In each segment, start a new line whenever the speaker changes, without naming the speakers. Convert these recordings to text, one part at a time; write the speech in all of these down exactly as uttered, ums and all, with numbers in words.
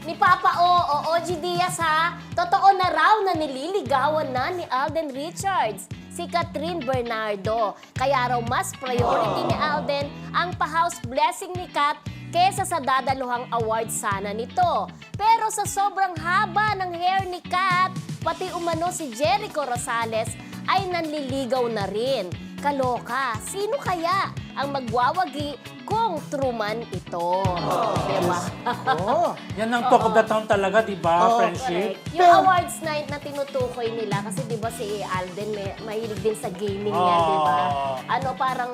ni Papa O o O G Diaz ha. Totoo na raw na nililigawan na ni Alden Richards si Catherine Bernardo. Kaya raw mas priority ni Alden ang pa-house blessing ni Kat kesa sa dadaluhang award sana nito. Pero sa sobrang haba ng hair ni Kat, pati umano si Jericho Rosales ay nanliligaw na rin. Kaloka, sino kaya ang magwawagi kung truman ito? Oh, diba?
Oh, yan ang talk of the town talaga, di ba,
Oh,
friendship?
Correct. Yung awards night na tinutukoy nila, kasi di ba si Alden may, mahilig din sa gaming yan, di ba?
Oh.
Ano, parang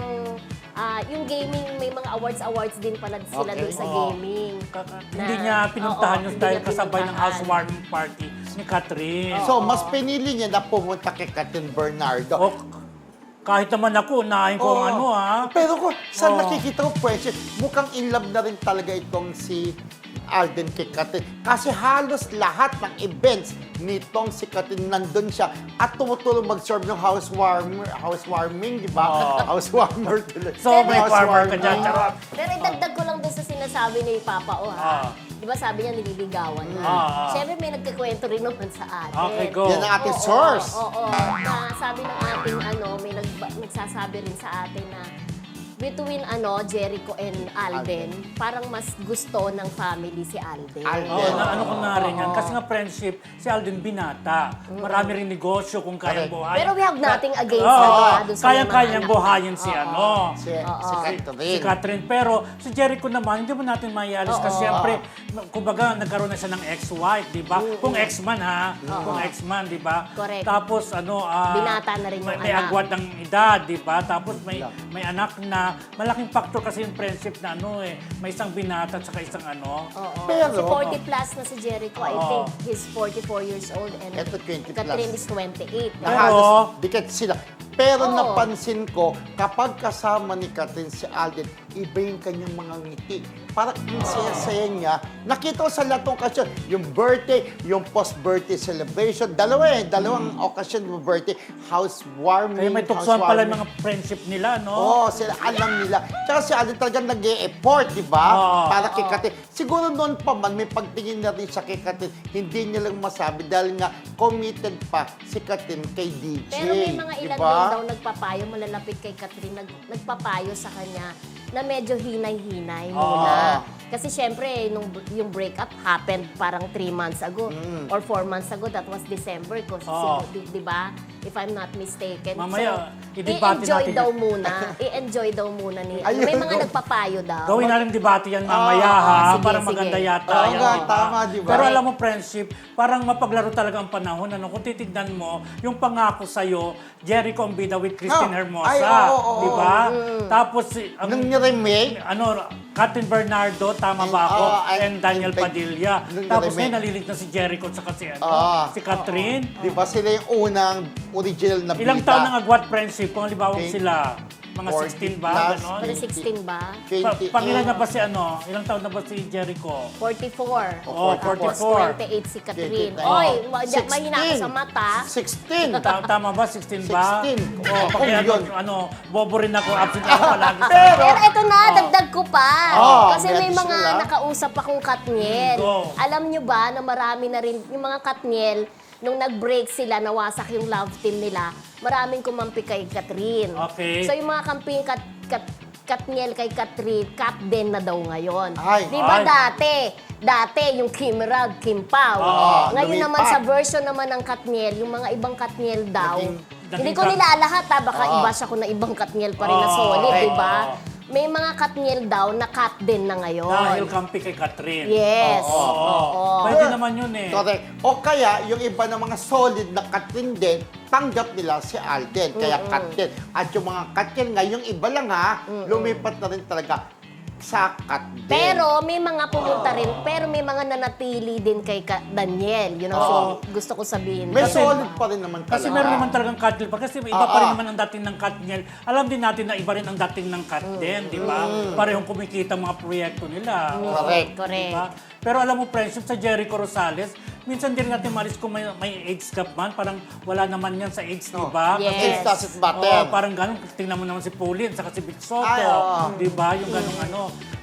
ah, yung gaming, may mga awards-awards din pala sila
Okay.
doon sa
Oh.
gaming.
Kaka-
Na-
hindi niya pinuntahan
oo,
yung
hindi
dahil
niya
kasabay ng
pinuntahan.
housewarming party ni Catherine.
So, mas pinili niya na pumunta kay Catherine Bernardo.
O, kahit naman ako, unahin ko ang
Oo.
ano ha.
Pero kung saan
Oo.
nakikita ko, Precious, mukhang in love na rin talaga itong si Alden kay Catherine. Kasi halos lahat ng events nitong si Catherine nandun siya at tumutulong mag-serve ng housewarmer, housewarming, di ba?
Oo.
Housewarmer tuloy.
So, may farmer
Housewarming.
ka dyan, charot.
Pero idagdag ko lang doon sa sinasabi ni Papa O ha.
Ah.
Di ba sabi niya nililigawan na?
Ah, ah.
Siyempre may nagkikwento rin naman sa atin.
Okay, go.
Yan ang ating
Oo,
source.
Oo, na sabi ng ating ano, may nag, nagsasabi rin sa atin na between ano Jericho and Alden, parang mas gusto ng family si Alden.
Alden.
Oo, na, ano ko na rin yan.
Oo.
Kasi nga friendship, si Alden binata. Marami rin negosyo kung kayang
Correct.
buhayin.
Pero we have nothing against
Oo,
ano, ah, doon sa
kayang-kayang
mga anak.
buhayin si
Oo.
ano.
Si, si Catherine.
Si Catherine. Pero si Jericho naman, hindi mo natin maialis
Oo.
kasi siyempre, kumbaga, nagkaroon na siya ng ex-wife, di ba? Kung ex-man ha, kung ex-man, di ba?
Correct.
Tapos ano, ah,
Binata na rin yung
may, may
anak.
agwat ng edad, di ba? Tapos may may anak na malaking factor kasi yung friendship na ano eh, may isang binata at saka isang ano.
Oo.
Pero-
Kasi forty plus na si Jericho. I
Oo.
think he's forty-four years old and
Eto, twenty plus.
Catherine is twenty-eight.
Na
Pero-
halos dikit sila. Pero
Oo.
napansin ko, kapag kasama ni Catherine si Alden, iba yung kanyang mga ngiti. Parang ang saya-saya niya. Nakita ko sa lahat ng okasyon, yung birthday, yung post-birthday celebration, dalawa eh, dalawang okasyon ng birthday, housewarming,
Kaya may tuksoan pala yung
housewarming.
mga friendship nila, no?
Oo, sila alam nila. Tsaka si Alden talagang nag-e-effort, di ba?
Oo.
Para kay Catherine. Siguro noon pa man, may pagtingin na rin siya kay Catherine. Hindi niya lang masabi dahil nga committed pa si Catherine kay D J.
Pero may mga ilan
diba?
din daw nagpapayo, malalapit kay Catherine, nag, nagpapayo sa kanya na medyo hinay-hinay muna. Kasi syempre, nung, yung breakup happened parang three months ago
Mm.
or four months ago. That was December ko.
Oo.
Di, di ba? If I'm not mistaken.
Mamaya,
so,
i-debate
i-enjoy
natin
daw
yun.
muna. I-enjoy daw muna ni...
Ayun.
May mga nagpapayo daw.
Gawin na rin debate yan mamaya
Oo,
ha,
sige,
para
sige.
maganda yata.
Oo
yan,
nga,
di ba?
tama, di ba?
Pero alam mo, friendship, parang mapaglaro talaga ang panahon. Ano? Kung titignan mo, yung pangako sa'yo, Jericho ang bida with Christine
Ah,
Hermosa.
ay, oo, oo,
di ba?
Mm.
Tapos, si- ang,
Nung ni-remake,
ano, Catherine Bernardo, tama
And,
ba ako?
oo, and-
and Daniel
and-
Padilla.
nung
Tapos
ni-remake.
ngayon, nalilig na si Jericho at saka si, ano,
Ah.
si Catherine.
di ba sila yung unang original na
Ilang
bida?
taon nang agwat friendship? Kung halimbawa
Okay.
sila, mga
forty
sixteen ba?
plus.
Ganon?
Para sixteen ba?
Pa,
twenty-eight.
pangilan na ba si ano? Ilang taon na ba si Jericho?
forty-four.
Oh,
Tapos
forty-four.
twenty-eight si Catherine.
twenty-eight.
Oy,
Oh.
ma- di- mahina ako sa mata.
sixteen.
Ta- Tama ba? sixteen ba?
sixteen.
Oo,
Oh,
paki ano,
yun.
ano, bobo rin ako. Absent ako palagi. sa-
Pero-
Pero eto na, dagdag ko pa.
Oh,
Kasi
may
may mga
additional, ah.
nakausap akong Katniel.
Mm, go.
Alam nyo ba na marami na rin, yung mga Katniel, nung nag-break sila, nawasak yung love team nila, maraming kumampi kay Catherine.
Okay.
So yung mga kamping kat, kat, Katniel kay Catherine, Kat din na daw ngayon.
Ay.
Di ba
Ay.
dati? Dati yung Kim Rag, Kim Pao.
Oo,
Ngayon
lumipat.
naman sa version naman ng Katniel, yung mga ibang Katniel daw,
Naging-
hindi
naging
ko
Kat-
nilalahat ha, baka
Oo.
iba siya ko na ibang Katniel pa rin na
Oo,
solid,
okay.
di ba?
Oo.
May mga Katniel daw na Kat din na ngayon.
Dahil kampi kay Catherine.
Yes.
Oo.
Oo.
Pwede naman yun eh.
Correct. O kaya, yung iba ng mga solid na Catherine din, tanggap nila si Alden. Kaya Catherine. At yung mga Catherine nga, yung iba lang ha, lumipat na rin talaga sa Catherine.
Pero may mga pumunta rin, pero may mga nanatili din kay Ka- Daniel. Yun ang
Oo.
sin- gusto ko sabihin.
May
Kasi-
solid pa rin naman talaga.
Kasi meron naman talagang Katniel pa. Kasi iba
Oo.
pa rin naman ang dating ng Katniel. Alam din natin na iba rin ang dating ng Kat din, di ba? Parehong kumikita ang mga proyekto nila.
Correct.
Correct.
Diba? Pero alam mo, friendship sa Jericho Rosales, minsan din natin malis kung may, may age gap man, parang wala naman yan sa age, di ba?
Yes.
Kasi-
It doesn't matter.
Oo, parang ganun. Tingnan mo naman si Pauline, saka si Vic Soto.
Ay, oo.
Di ba? Yung ganung ano.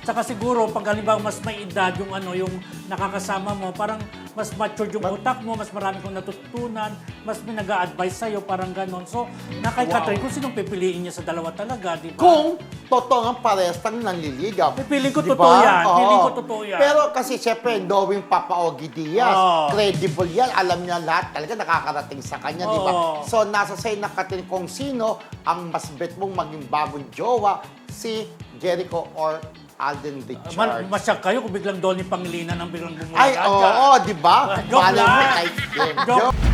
Saka siguro, pag halimbawa mas may edad yung ano, yung nakakasama mo, parang mas mature yung utak mo, mas marami kong natutunan, mas may nag-a-advise sa'yo, parang ganon. So, na kay
Wow.
Catherine, kung sinong pipiliin niya sa dalawa talaga, di ba?
Kung totoo ang parehas tang nanliligaw.
Pipiling ko
Di
totoo
ba?
yan.
Oo.
Piling ko totoo yan.
Pero kasi syempre, knowing Papa Ogie Diaz,
Oo.
credible yan. Alam niya lahat talaga nakakarating sa kanya, di ba?
Oo.
So, nasa sa'yo na Catherine kung sino ang mas bet mong maging bagong jowa, si Jericho or Alden Richards.
Man, masyak kayo kung biglang Donnie Pangilinan ang biglang bumula
Ay, oo,
dyan.
oh, di ba?
Joke
Malay mo
lang.
kay-
Joke.